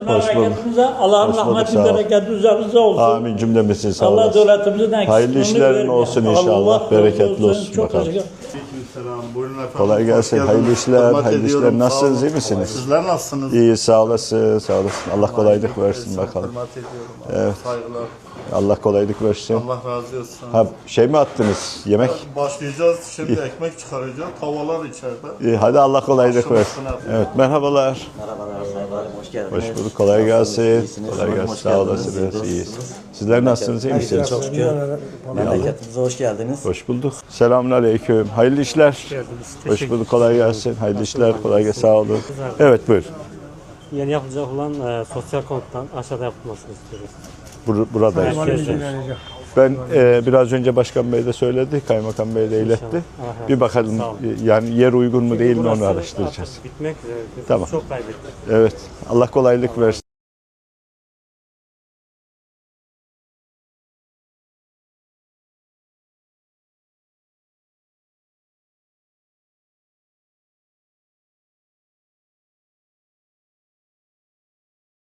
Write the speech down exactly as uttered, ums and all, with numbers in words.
Hoş bulduk. Memleketimize Allah'ın Hoş bulduk, rahmeti, sağ ol. bereketi üzerinize olsun. Amin cümlemizin sağ Allah olasın. devletimizin eksikliğini Hayırlı işlerin vermesin. olsun inşallah. Allah Bereketli olsun. olsun Çok bakalım. teşekkür Aleykümselam. Buyurun efendim. Kolay gelsin. Hoş Hayırlı geldiniz. işler, Hürmet hayırlı ediyorum. işler. Nasılsınız, Sağ olun. iyi misiniz? Sizler nasılsınız? İyi sağ olasın, sağ olasın. Allah kolaylık versin bakalım. Hürmet ediyorum. Evet. Saygılar. Allah kolaylık versin. Allah razı olsun. Ha, şey mi attınız? Yemek? Başlayacağız. Şimdi ekmek çıkaracağız. Tavalar içeride. İyi, hadi Allah kolaylık Başlamasın versin. efendim. Evet, merhabalar. Merhabalar Sayın Valim, hoş geldiniz. Hoş bulduk, kolay gelsin. İyisiniz, Kolay umarım gelsin, hoş sağ geldiniz. olasınız. İyiyiz. Sizler nasılsınız, iyi misiniz? Çok şükür. Memleketimize hoş geldiniz. Hoş bulduk. Selamünaleyküm. Hayırlı işler. Hoş bulduk, kolay gelsin. Hayırlı işler, kolay gelsin, sağ olun. Evet, buyur. Yeni yapılacak olan e, sosyal konuttan aşağıda yapılmasını istiyoruz. Bur buradayız. Merkezde. Ben e, biraz önce Başkan Bey de söyledi, Kaymakam Bey de iletti. İnşallah. Bir bakalım Sağ olun. yani yer uygun mu değil mi onu Burası araştıracağız. artık bitmek üzere. Tamam. Çok kaybettik. Evet. Allah kolaylık versin.